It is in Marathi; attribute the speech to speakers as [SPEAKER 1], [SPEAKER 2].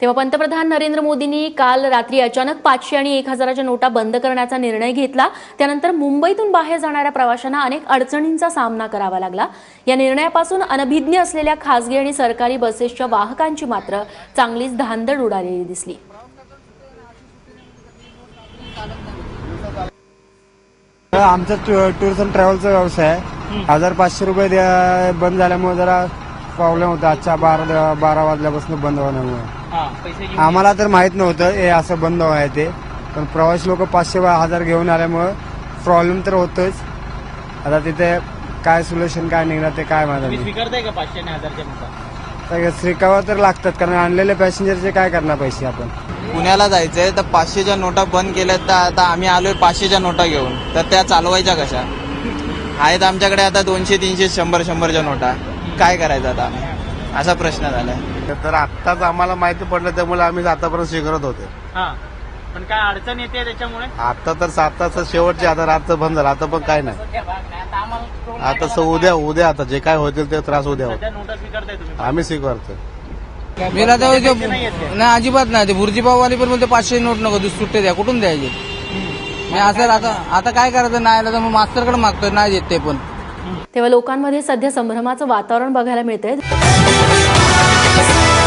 [SPEAKER 1] तेव्हा पंतप्रधान नरेंद्र मोदींनी काल रात्री अचानक 500 आणि 1000च्या नोटा बंद करण्याचा निर्णय घेतला। त्यानंतर मुंबईतून बाहेर जाणाऱ्या प्रवाशांना अनेक अडचणींचा सामना करावा लागला। या निर्णयापासून अनभिज्ञ असलेल्या खासगी आणि सरकारी बसेसच्या वाहकांची मात्र चांगलीच धांदड उडालेली दिसली।
[SPEAKER 2] आमचा टूर्स अँड ट्रॅव्हलचा व्यवसाय आहे। 1500 रुपये बंद झाल्यामुळे जरा प्रॉब्लेम होता। आजच्या 12 वाजल्यापासून बंद होण्यामुळे आम्हाला तर माहित नव्हतं हे असं बंद आहे ते, पण प्रवासी लोक 500-1000 घेऊन आल्यामुळे प्रॉब्लेम तर होतोच। आता तिथे काय सोल्युशन काय निघणार ते काय माहिती
[SPEAKER 3] स्वीकारताय का 500 आणि 1000च्या नोटा?
[SPEAKER 2] स्वीकारावं तर लागतात, कारण आणलेले पॅसेंजरचे काय करणार पैसे आपण।
[SPEAKER 4] पुण्याला जायचंय तर 500च्या नोटा बंद केल्यात, तर आता आम्ही आलोय 500च्या नोटा घेऊन, तर त्या चालवायच्या कशा? आहेत आमच्याकडे आता 200, 300, 100च्या नोटा, काय करायचं आता आम्ही? असा प्रश्न झालाय।
[SPEAKER 5] तर आत्ताच आम्हाला माहिती पडलं, त्यामुळे आम्ही आतापर्यंत स्वीकारत होते।
[SPEAKER 3] पण काय अडचण येते त्याच्यामुळे?
[SPEAKER 5] आता तर 7 तास शेवटचे, आता रातचं बंद झालं, आता पण काय नाही। आता उद्या आता जे काय होतील ते त्रास उद्या होईल।
[SPEAKER 3] नोटा स्वीकारताय तुम्ही?
[SPEAKER 5] आम्ही स्वीकारतो।
[SPEAKER 6] मेरा नाही अजिबात नाही। ते भुर्जीपाववाली पण बोलते 500 नोट नको सुट्टे द्या, कुठून द्यायचे? मी असं आता काय करायचं? नाही आलं तर मग मास्तरकडे मागतोय, नाही देत ते पण।
[SPEAKER 1] तेव्हा लोकांमध्ये सध्या संभ्रमाचं वातावरण बघायला मिळतंय।